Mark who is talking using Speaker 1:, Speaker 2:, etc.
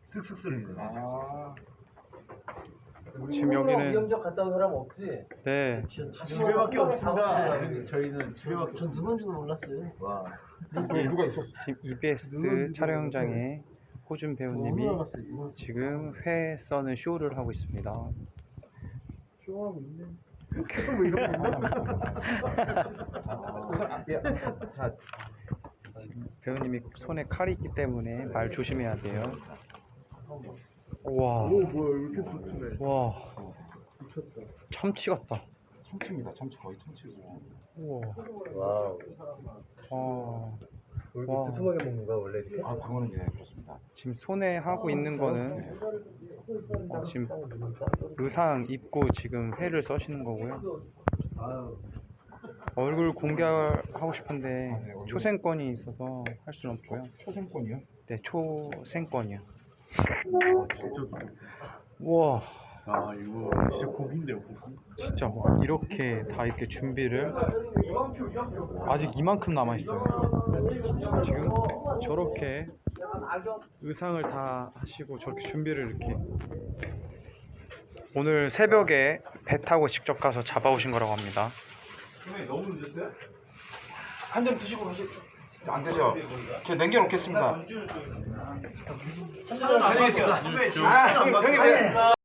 Speaker 1: 쓱쓱 쓰는 거야.
Speaker 2: 아.
Speaker 3: 지금 여기는
Speaker 4: 위험적 갔다 온 사람 없지?
Speaker 3: 네
Speaker 1: 집에밖에 없습니다. 저희는 집에밖에
Speaker 4: 전 누군지도 몰랐어요.
Speaker 1: 와.
Speaker 2: 누가 있었어?
Speaker 3: 지금 EBS 촬영장에 호준 배우님이
Speaker 4: 너무 알았어요. 누군
Speaker 3: 지금 회 써는 쇼를 하고 있습니다.
Speaker 4: 쇼하고 있네.
Speaker 1: 뭐 이런 거 있나?
Speaker 2: 자,
Speaker 3: 배우님이 손에 칼이 있기 때문에 말 조심해야 돼요. 우와,
Speaker 1: 오 뭐야 이렇게 좋네.
Speaker 3: 와,
Speaker 1: 미쳤다.
Speaker 3: 참치 같다.
Speaker 2: 참치입니다. 참치 거의 참치고.
Speaker 3: 우와,
Speaker 4: 와우.
Speaker 3: 와,
Speaker 4: 이렇게
Speaker 3: 와.
Speaker 4: 두툼하게 먹는 거야 원래 이렇게?
Speaker 2: 아, 그거는 예, 그렇습니다.
Speaker 3: 지금 손에 하고 있는 거는 지금 의상 입고 지금 회를 써시는 거고요. 얼굴 공개하고 싶은데 초생권이 있어서 할 수는 없고요.
Speaker 2: 초생권이요?
Speaker 3: 네, 초생권이요.
Speaker 1: 진짜 좋네.
Speaker 3: 우와,
Speaker 1: 아 이거 진짜 고기인데요 고기.
Speaker 3: 진짜 와, 이렇게 다 이렇게 준비를 아직 이만큼 남아 있어요. 지금 저렇게 의상을 다 하시고 저렇게 준비를 이렇게 오늘 새벽에 배 타고 직접 가서 잡아오신 거라고 합니다.
Speaker 1: 너무 늦었어요?
Speaker 2: 한 점 드시고 가시. 안 되죠? 제가 남겨놓겠습니다.
Speaker 1: 안녕히 계십니다.
Speaker 2: 형님.